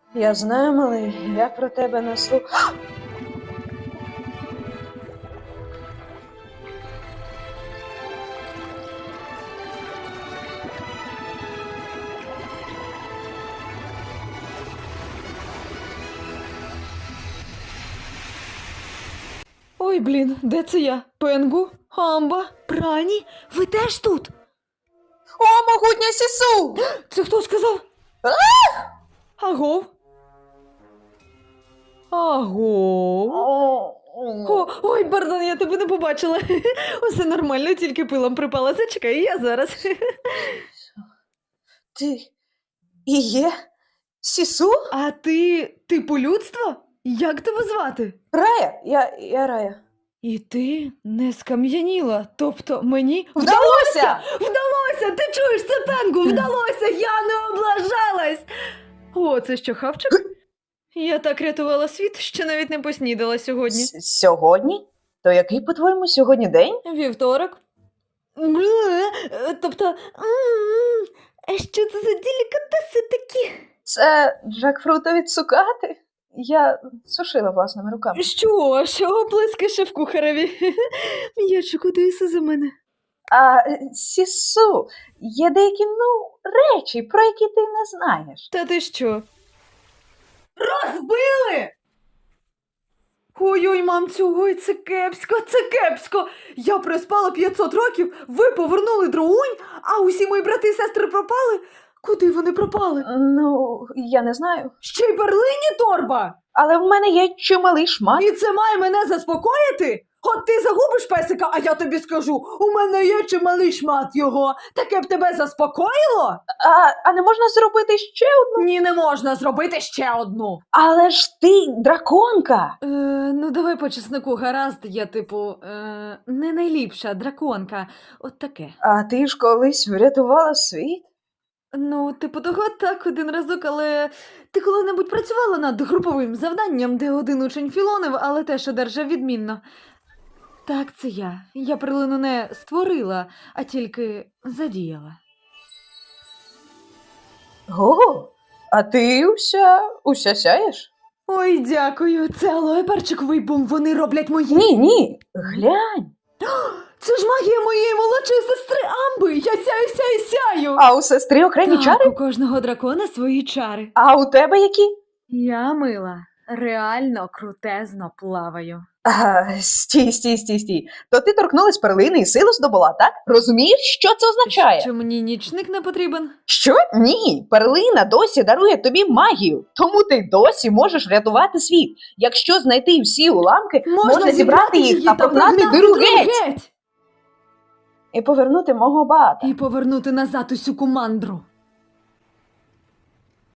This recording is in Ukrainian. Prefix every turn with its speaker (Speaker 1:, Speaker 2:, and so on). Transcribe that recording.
Speaker 1: Я знаю, малий, я про тебе не слухаю.
Speaker 2: Ой, блін, де це я? Пенгу? Амба? Прані? Ви теж тут?
Speaker 1: О, могутня Сісу!
Speaker 2: Це хто сказав? Агов? Агов? Ой, пардон, я тебе не побачила. Усе нормально, тільки пилом припала. Зачекай, я зараз.
Speaker 1: Ти і є Сісу?
Speaker 2: А ти типу людство? Як тебе звати?
Speaker 1: Рая? Я Рая.
Speaker 2: І ти не скам'яніла, тобто мені
Speaker 1: Вдалося!
Speaker 2: Вдалося! Ти чуєш це, Пенгу? Вдалося! Я не облажалась! О, це що, хавчик? Я так рятувала світ, що навіть не поснідала сьогодні.
Speaker 1: Сьогодні? То який, по-твоєму, сьогодні день?
Speaker 2: Вівторок. Тобто, що це за делікатеси такі?
Speaker 1: Це джекфрутові цукати? Я сушила власними руками.
Speaker 2: Що оплески шеф-кухареві? Я шокодуюся за мене.
Speaker 1: А Сісу, є деякі, речі, про які ти не знаєш.
Speaker 2: Та ти що? Розбили! Ой-ой, мамцю, ой, це кепсько, це кепсько! Я проспала 500 років, ви повернули дроунь, а усі мої брати і сестри пропали? Куди вони пропали?
Speaker 1: Я не знаю.
Speaker 2: Ще й перлині торба!
Speaker 1: Але в мене є чималий шмат.
Speaker 2: І це має мене заспокоїти? От ти загубиш песика, а я тобі скажу, у мене є чималий шмат його. Таке б тебе заспокоїло?
Speaker 1: А не можна зробити ще одну?
Speaker 2: Ні, не можна зробити ще одну.
Speaker 1: Але ж ти драконка.
Speaker 2: Ну давай по чесноку, гаразд, я не найліпша драконка, от таке.
Speaker 1: А ти ж колись врятувала світ?
Speaker 2: Ну, того так, один разок, але ти коли-небудь працювала над груповим завданням, де один учень філонив, але теж одержав відмінно? Так, це я. Я перлину не створила, а тільки задіяла.
Speaker 1: О, а ти уся сяєш?
Speaker 2: Ой, дякую, це алоє перчиковий бум, вони роблять мої...
Speaker 1: Ні, глянь.
Speaker 2: Це ж магія моєї молодшої сестри Амби, я сяю.
Speaker 1: А у сестри окремі
Speaker 2: Так,
Speaker 1: чари?
Speaker 2: у кожного дракона свої чари.
Speaker 1: А у тебе які?
Speaker 2: Я, мила, реально крутезно плаваю.
Speaker 1: Стій. То ти торкнулась перлини і силу здобула, так? Розумієш, що це означає?
Speaker 2: Що мені нічник не потрібен?
Speaker 1: Що? Ні, перлина досі дарує тобі магію, тому ти досі можеш рятувати світ. Якщо знайти всі уламки, можна зібрати їх та погнати диру геть. І повернути мого бата.
Speaker 2: І повернути назад усю кумандру.